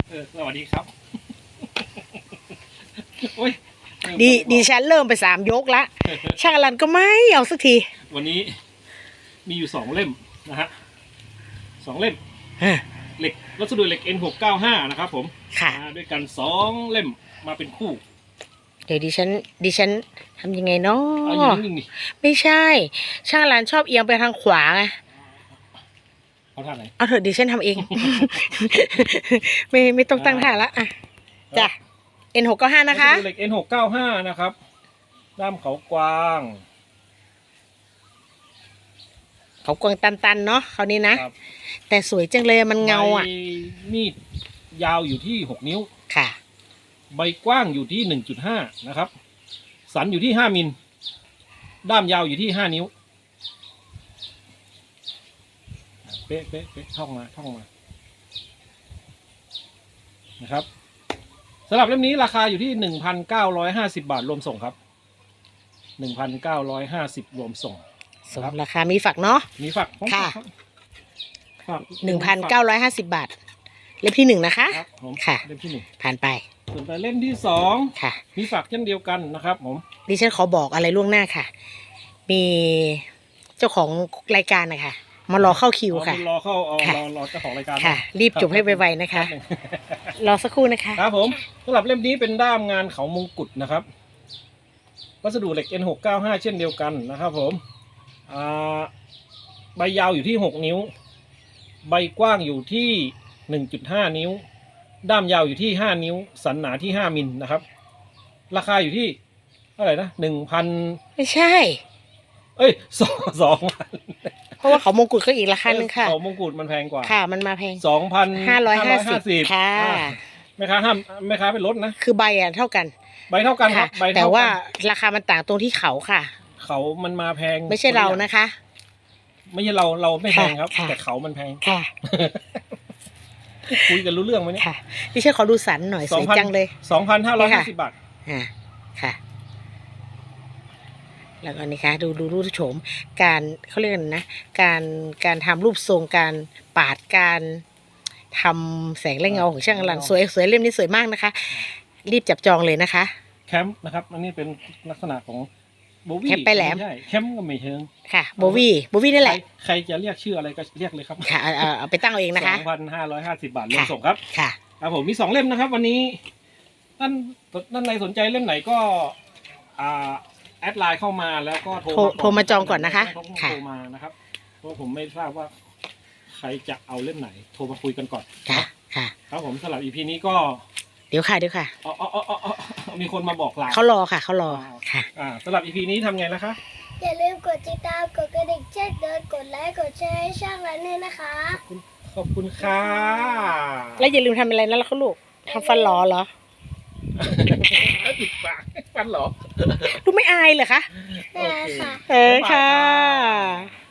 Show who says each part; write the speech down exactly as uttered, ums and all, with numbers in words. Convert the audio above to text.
Speaker 1: เออสวัสดีครับโอ้ย
Speaker 2: ดีดีฉันเริ่มไปสามยกละช่างอลันก็ไม่เอาสักที
Speaker 1: วันนี้มีอยู่สองเล่มนะฮะสองเล่มเหล็กวัสดุเหล็ก เอ็น หกเก้าห้า นะครับผม
Speaker 2: ค่ะ
Speaker 1: มาด้วยกันสองเล่มมาเป็นคู่
Speaker 2: เดี๋ยวดิฉันดิฉันทำยังไงเนา
Speaker 1: เอาอย่า
Speaker 2: ะ
Speaker 1: งนิ่งๆนี่
Speaker 2: ไม่ใช่ ช่างอลันชอบเอียงไปทางขวาไง
Speaker 1: เอาท่าไหน
Speaker 2: เอาเถอะดิฉันทำเอง ไม่ไม่ต้องตั้งท่าละอ่ะจ้ะ เอ็น หกเก้าห้า นะคะ
Speaker 1: วัสดุเหล็ก เอ็น หกเก้าห้า นะครับด้ามเขากวาง
Speaker 2: เขากวางตันๆเนาะคราวนี้นะครับ แต่สวยจังเลยมันเงาอ่ะ
Speaker 1: ใบมีดยาวอยู่ที่หกนิ้ว
Speaker 2: ค่ะ
Speaker 1: ใบกว้างอยู่ที่ หนึ่งจุดห้า นะครับ สันอยู่ที่ห้ามิล ด้ามยาวอยู่ที่ห้านิ้ว เป๊ะเป๊ะเป๊ะท่องมาท่องมา นะครับสำหรับเล่มนี้ราคาอยู่ที่ หนึ่งพันเก้าร้อยห้าสิบ บาทรวมส่งครับ หนึ่งพันเก้าร้อยห้าสิบ รวมส่ง
Speaker 2: สมราคามีฝักเนาะ
Speaker 1: มีฝักของ
Speaker 2: ค่ะ
Speaker 1: ฝัก
Speaker 2: หนึ่งพันเก้าร้อยห้าสิบบาท เล่มที่หนึ่งนะคะ
Speaker 1: ครับผม
Speaker 2: ค่ะ
Speaker 1: เล่มที่หนึ่ง
Speaker 2: ผ่านไป
Speaker 1: ส่วนไปเล่มที่สอง
Speaker 2: ค่ะ
Speaker 1: มีฝักเช่นเดียวกันนะครับผม
Speaker 2: ดิฉันขอบอกอะไรล่วงหน้าค่ะ มีเจ้าของรายการนะคะมารอเข้าคิวค่ะ
Speaker 1: รอเข้าเอา
Speaker 2: ค่ะ
Speaker 1: รอรอเจ้าของรายการ
Speaker 2: ค่ะ รีบจบให้ไวๆนะคะ รอสักครู่นะคะ
Speaker 1: ครับผมสำหรับเล่มนี้เป็นด้ามงานเขามงกุฎนะครับ วัสดุเหล็ก เอ็น หกเก้าห้า เช่นเดียวกันนะครับผมอ่าใบยาวอยู่ที่หกนิ้ว ใบกว้างอยู่ที่ หนึ่งจุดห้า นิ้ว ด้ามยาวอยู่ที่ห้านิ้ว สันหนาที่ห้ามิลนะครับ ราคาอยู่ที่เท่าไหร่นะหนึ่งพัน
Speaker 2: ไม่ใช่
Speaker 1: เอ้ยสองสองพัน
Speaker 2: เพราะว่าเขามงกุฎก็อีกราคาหนึ่งค่ะ
Speaker 1: เขามงกุฎมันแพงกว่า
Speaker 2: ค่ะ มันมาแพง
Speaker 1: สองพัน
Speaker 2: ห้าร้อยห้าสิบค่ะ
Speaker 1: แม่ค้าห้ามแม่ค้าเป็นลดนะ
Speaker 2: คือใบอ่ะเท่ากัน
Speaker 1: ใบเท่ากันครั
Speaker 2: ค่ะ
Speaker 1: บใบ
Speaker 2: แต่
Speaker 1: เท่า
Speaker 2: ว่า
Speaker 1: กัน
Speaker 2: ราคามันต่างตรงที่เขาค่ะ
Speaker 1: เขามันมาแพง
Speaker 2: ไม่ใช่เรานะคะ
Speaker 1: ไม่ใช่เราเราไม่แพงครับ
Speaker 2: ค่ะ
Speaker 1: แต่เขามันแพง
Speaker 2: ค่ะ
Speaker 1: คุยกันรู้เรื่องไหมเนี่ย
Speaker 2: ค่ะดิฉันขอดูสันหน่อยสวยจังเลย
Speaker 1: สองพันห้าร้อยห้าสิบบาท
Speaker 2: อ่าค่ะ แล้วก็นี่ค่ะดูดูรูปโฉมการเขาเรียกกันนะ การการทำรูปทรงการปาดการทำแสงและเงาของช่างอลันสวยสวยเล่มนี้สวยมากนะคะ รีบจับจองเลยนะคะ
Speaker 1: แคมป์นะครับ อันนี้เป็นลักษณะของโบวี่
Speaker 2: แคมป์ไปแหลม
Speaker 1: ใช่แคมป์ก็ไม่เชิง
Speaker 2: ค่ะโบวี่โบวี่นี่แหละ
Speaker 1: ใครใครจะเรียกชื่ออะไรก็เรียกเลยครับ
Speaker 2: ค่ะเอาเอาเอาไปตั้งเอาเองนะคะ
Speaker 1: สองพันห้าร้อยห้าสิบบาทรวม
Speaker 2: ค่ะ
Speaker 1: ส่งครับ
Speaker 2: ค่ะ
Speaker 1: ครับผมมีสองเล่มนะครับ วันนี้ท่านท่านใดสนใจเล่มไหนก็อ่าแอดไลน์เข้ามาแล้วก็โทร
Speaker 2: โทร
Speaker 1: ก่น
Speaker 2: โทรมาจองก่อนนะคะ
Speaker 1: ต้อง
Speaker 2: ค่ะ
Speaker 1: โทรมานะครับเพราะผมไม่ทราบว่าใครจะเอาเล่มไหน โทรมาคุยกันก่อน
Speaker 2: ค่ะค่ะ
Speaker 1: ครับผมสำหรับ อี พี นี้ก็
Speaker 2: เดี๋ยวค่ะเดี๋ยวค่ะ
Speaker 1: อ๋ออ๋ออ๋ออ๋อมีคนมาบอกลา
Speaker 2: เขารอค่ะเขารอค่ะ
Speaker 1: อ่าสำหรับ อี พี นี้ทำไงนะคะ
Speaker 3: อย่าลืมกดติดตาม กดกระดิ่งแจ้งเตือนกดไลค์ กดแชร์ให้ช่างร้านด้วยนะคะ
Speaker 1: ขอบคุณค่ะ
Speaker 2: แล้วอย่าลืมทำอะไรนะแล้วเขาลูกทำฟันหลอเหรอ
Speaker 1: ติดปากฟันเหรอ
Speaker 2: ลูกไม่อายเหรอคะ
Speaker 3: ได้ค่ะ
Speaker 2: เออค่ะ
Speaker 1: บ๊ายบายค่ะ